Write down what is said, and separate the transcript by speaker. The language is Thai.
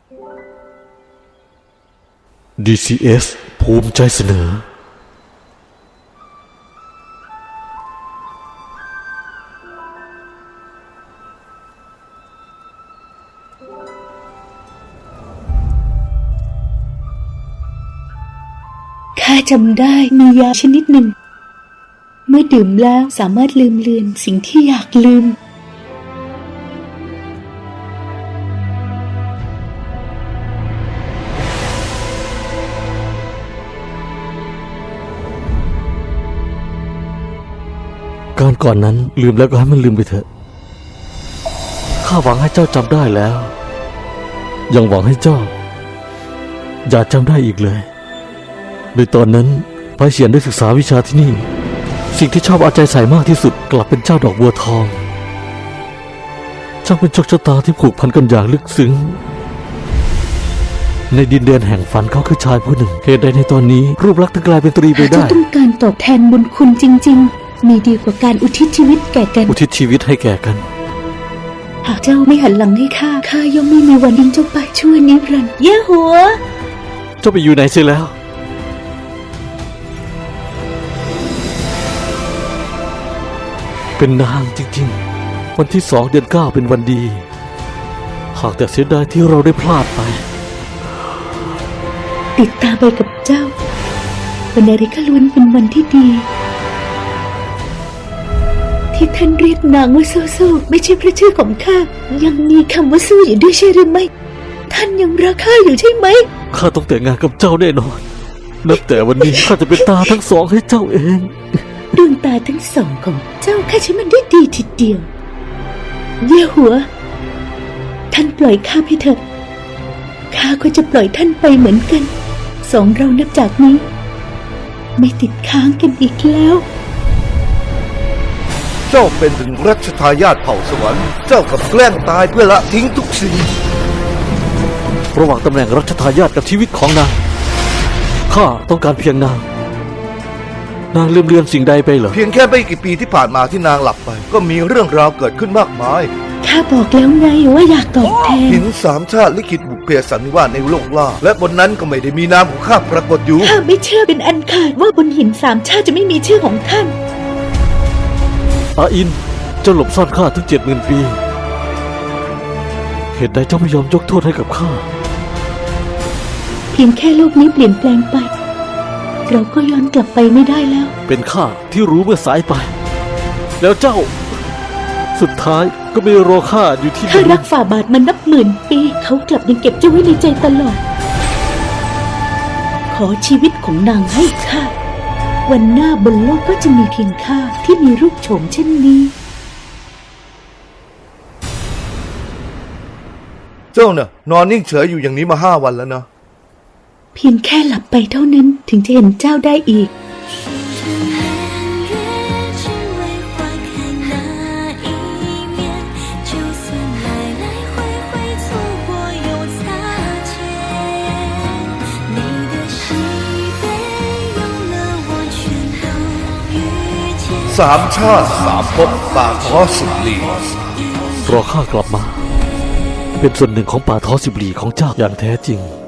Speaker 1: DCS ภูมิใจเสนอ
Speaker 2: ข้าจำได้มียาชนิดหนึ่งเมื่อดื่มแล้วสามารถลืมเลือนสิ่งที่อยากลืม
Speaker 1: การก่อนนั้นลืมแล้วก็ให้มันลืมไปเถอะข้าหวังให้เจ้าจำได้แล้วยังหวังให้เจ้าอย่าจำได้อีกเลยโดยตอนนั้นไปเฉียนได้ศึกษาวิชาที่นี่สิ่งที่ชอบเอาใจใส่มากที่สุดกลับเป็นเจ้าดอกบัวทองช่างเป็นโชคชะตาที่ผูกพันกันอย่างลึกซึ้งในดินแดนแห่งฝันเขาคือชายผู้หนึ่งเหตุใดในตอนนี้รูปลักษณ์ถึงกลายเป็นตรีไปได้
Speaker 2: เจ้าต้องการตอบแทนบุญคุณจริงๆมีดีกว่าการอุทิศชีวิตแก่กัน
Speaker 1: อุทิศชีวิตให้แก่กัน
Speaker 2: หากเจ้าไม่หันหลังให้ข้าย่อมไม่มีวันทิ้งเจ้าไปชั่วนิรันดร์เย่หัว
Speaker 1: เจ้าไปอยู่ไหนเสียแล้วเป็นนางจริงๆวันที่2 เดือน 9เป็นวันดีหากแต่เสียดายที่เราได้พลาดไป
Speaker 2: ติดตามไปกับเจ้าวันอะไรก็ล้วนเป็นวันที่ดีที่ท่านเรียกนางว่าสู้ๆไม่ใช่เพราะชื่อของข้ายังมีคำว่าสู้อยู่ด้วยใช่หรือไม่ท่านยังรักข้าอยู่ใช่ไหม
Speaker 1: ข้าต้องแต่งงานกับเจ้าแน่นอนนับแต่วันนี้ข้าจะเป็นตาทั้งสองให้เจ้าเอง
Speaker 2: ดวงตาทั้งสองของเจ้าข้าใช้มันได้ดีทีเดียวเย่หัวท่านปล่อยข้าไปเถอะข้าก็จะปล่อยท่านไปเหมือนกันสองเรานับจากนี้ไม่ติดค้างกันอีกแล้ว
Speaker 3: เจ้าเป็นถึงรัชทายาทเผ่าสวรรค์เจ้ากับแกล้งตายเพื่อละทิ้งทุกสิ่ง
Speaker 1: ระหว่างตำแหน่งรัชทายาทกับชีวิตของนางข้าต้องการเพียงนางลืมเลือนสิ่งใดไปเหรอ
Speaker 3: เพียงแค่ไม่กี่ปีที่ผ่านมาที่นางหลับไปก็มีเรื่องราวเกิดขึ้นมากมาย
Speaker 2: ข้าบอกแล้วไงว่าอยากตอบแทน
Speaker 3: หิน3 ชาติลิขิตบุพเพสันนิวาสในโลกล่าและบนนั้นก็ไม่ได้มีนามของข้าปรากฏอยู่
Speaker 2: ข้าไม่เชื่อเป็นอันขาดว่าบนหิน3 ชาติจะไม่มีชื่อของท่าน
Speaker 1: อาอินเจ้าหลบซ่อนข้าถึง70,000 ปีเหตุใดเจ้าไม่ยอมยกโทษให้กับข้า
Speaker 2: เพียงแค่โลกนี้เปลี่ยนแปลงไปเราก็ย้อนกลับไปไม่ได้แล้ว
Speaker 1: เป็นข้าที่รู้เมื่อสายไปแล้วเจ้าสุดท้ายก็ไม่รอข้าอยู่ที่
Speaker 2: ข้ารักฝ่าบาทมันนับหมื่นปีเขากลับยังเก็บเจ้าไว้ในใจตลอดขอชีวิตของนางให้ข้าวันหน้าบนโลกก็จะมีเพียงข้าที่มีรูปโฉมเช่นนี้
Speaker 3: เจ้าน่ะนอนนิ่งเฉยอยู่อย่างนี้มา5 วันแล้วนะ
Speaker 2: เพียงแค่หลับไปเท่านั้นถึงจะเห็นเจ้าได้อีก
Speaker 3: 3 ชาติ 3 ภพป่าท้อ10 ลี้
Speaker 1: รอข้ากลับมาเป็นส่วนหนึ่งของป่าท้อ10 ลี้ของเจ้าอย่างแท้จริง